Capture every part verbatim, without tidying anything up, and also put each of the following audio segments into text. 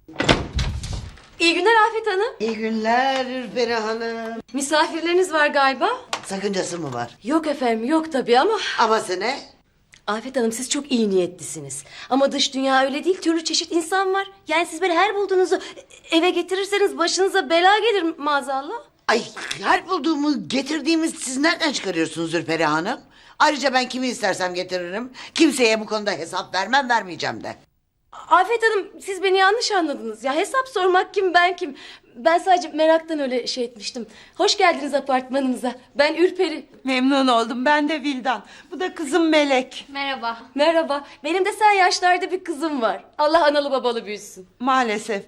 İyi günler Afet Hanım. İyi günler Ürperi Hanım. Misafirleriniz var galiba. Sakıncası mı var? Yok efendim, yok tabii ama... Aması ne? Afet Hanım siz çok iyi niyetlisiniz. Ama dış dünya öyle değil, türlü çeşit insan var. Yani siz böyle her bulduğunuzu eve getirirseniz başınıza bela gelir maazallah. Ay her bulduğumu getirdiğimiz siz nereden çıkarıyorsunuz Ürperi Hanım? Ayrıca ben kimi istersem getiririm. Kimseye bu konuda hesap vermem, vermeyeceğim de. Afet Hanım siz beni yanlış anladınız. Ya hesap sormak kim, ben kim? Ben sadece meraktan öyle şey etmiştim. Hoş geldiniz apartmanımıza. Ben Ürperi. Memnun oldum. Ben de Vildan. Bu da kızım Melek. Merhaba. Merhaba. Benim de sen yaşlarda bir kızım var. Allah analı babalı büyüsün. Maalesef.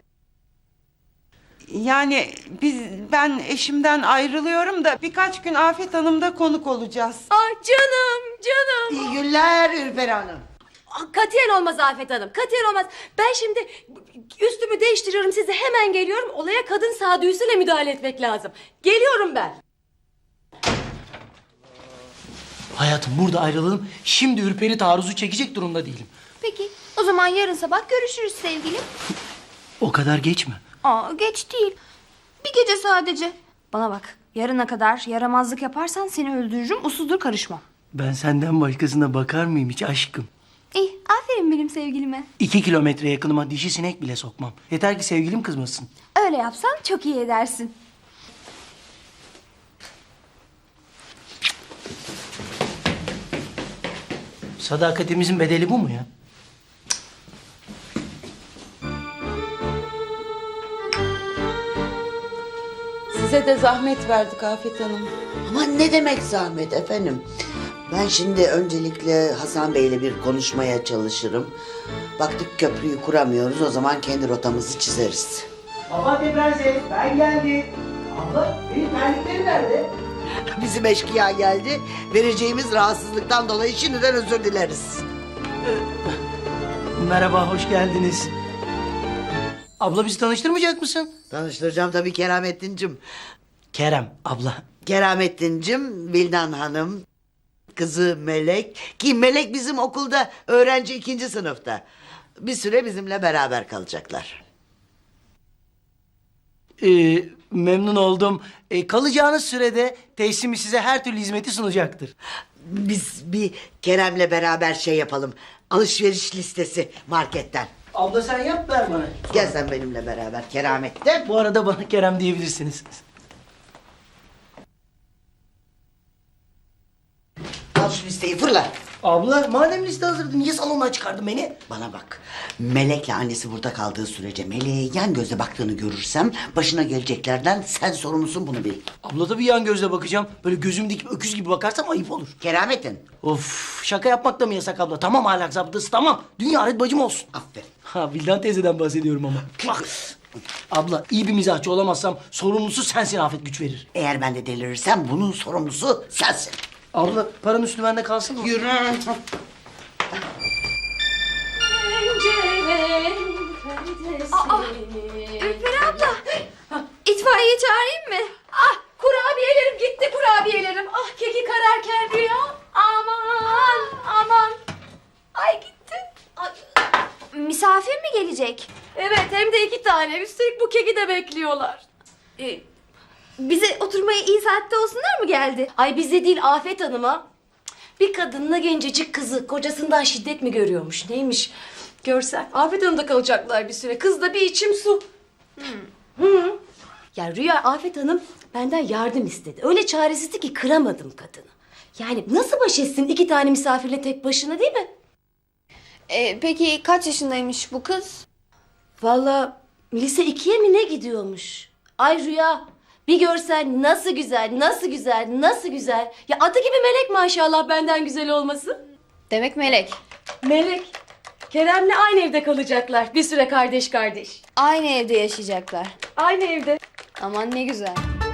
Yani biz ben eşimden ayrılıyorum da birkaç gün Afet Hanım'da konuk olacağız. Ah canım, canım. İyi günler Ürperi Hanım. Ah, katiyen olmaz Afet Hanım, katiyen olmaz. Ben şimdi üstümü değiştiriyorum, size hemen geliyorum. Olaya kadın sağduyusuyla müdahale etmek lazım. Geliyorum ben. Hayatım burada ayrılalım. Şimdi Ürperi taarruzu çekecek durumda değilim. Peki o zaman yarın sabah görüşürüz sevgilim. O kadar geç mi? Aa geç değil. Bir gece sadece. Bana bak yarına kadar yaramazlık yaparsan seni öldürürüm, usludur karışmam. Ben senden başkasına bakar mıyım hiç aşkım? İyi aferin benim sevgilime. İki kilometre yakınıma dişi sinek bile sokmam. Yeter ki sevgilim kızmasın. Öyle yapsan çok iyi edersin. Sadakatimizin bedeli bu mu ya? Size de zahmet verdik Afet Hanım. Ama ne demek zahmet efendim? Ben şimdi öncelikle Hasan Bey'le bir konuşmaya çalışırım. Baktık köprüyü kuramıyoruz, o zaman kendi rotamızı çizeriz. Papatya Prenses ben geldim. Abla benim terliklerim nerede? Bizim eşkıya geldi. Vereceğimiz rahatsızlıktan dolayı şimdiden özür dileriz. Merhaba hoş geldiniz. Abla bizi tanıştırmayacak mısın? Tanıştıracağım tabii Keramettin'cim. Kerem abla. Keramettin'cim, Vildan Hanım, kızı Melek. Ki Melek bizim okulda öğrenci ikinci sınıfta. Bir süre bizimle beraber kalacaklar. Ee, memnun oldum. Ee, kalacağınız sürede tesisimi size her türlü hizmeti sunacaktır. Biz bir Kerem'le beraber şey yapalım. Alışveriş listesi marketten. Abla sen yap ver bana. Gel sen benimle beraber Keramet'te. Bu arada bana Kerem diyebilirsiniz. Al şu listeyi fırla. Abla madem liste hazırdı niye salondan çıkardın beni? Bana bak. Melek'le annesi burada kaldığı sürece Melek'e yan gözle baktığını görürsem başına geleceklerden sen sorumlusun, bunu bil. Abla da bir yan gözle bakacağım. Böyle gözüm dikip öküz gibi bakarsam ayıp olur. Keramettin. Of şaka yapmak da mı yasak abla? Tamam ahlak zabıtası tamam. Dünya alet bacım olsun. Aferin. Ha Vildan teyzeden bahsediyorum ama. Bak. Abla iyi bir mizahçı olamazsam sorumlusu sensin Afet güç verir. Eğer ben de delirirsem bunun sorumlusu sensin. Abla paranın üstü bende kalsın mı? Yürü. Aa, Ürperi abla. İtfaiye çağırayım mı? Ah kurabiyelerim gitti, kurabiyelerim. Ah keki kararken rüya. Aman aman. Ay gitti. Ay. Misafir mi gelecek? Evet hem de iki tane. Üstelik bu keki de bekliyorlar. Ee, bize oturmaya iyi saatte olsunlar mı geldi? Ay bize değil Afet Hanım'a. Bir kadınla gencecik kızı kocasından şiddet mi görüyormuş neymiş? Görsen Afet Hanım'da kalacaklar bir süre. Kız da bir içim su. Hmm. Hı. Ya Rüya Afet Hanım benden yardım istedi. Öyle çaresizdi ki kıramadım kadını. Yani nasıl baş etsin iki tane misafirle tek başına değil mi? Ee, peki kaç yaşındaymış bu kız? Vallahi lise ikiye mi ne gidiyormuş? Ay Rüya bir görsen nasıl güzel, nasıl güzel, nasıl güzel. Ya adı gibi melek maşallah benden güzel olması. Demek Melek. Melek. Kerem'le aynı evde kalacaklar. Bir süre kardeş kardeş. Aynı evde yaşayacaklar. Aynı evde. Aman ne güzel.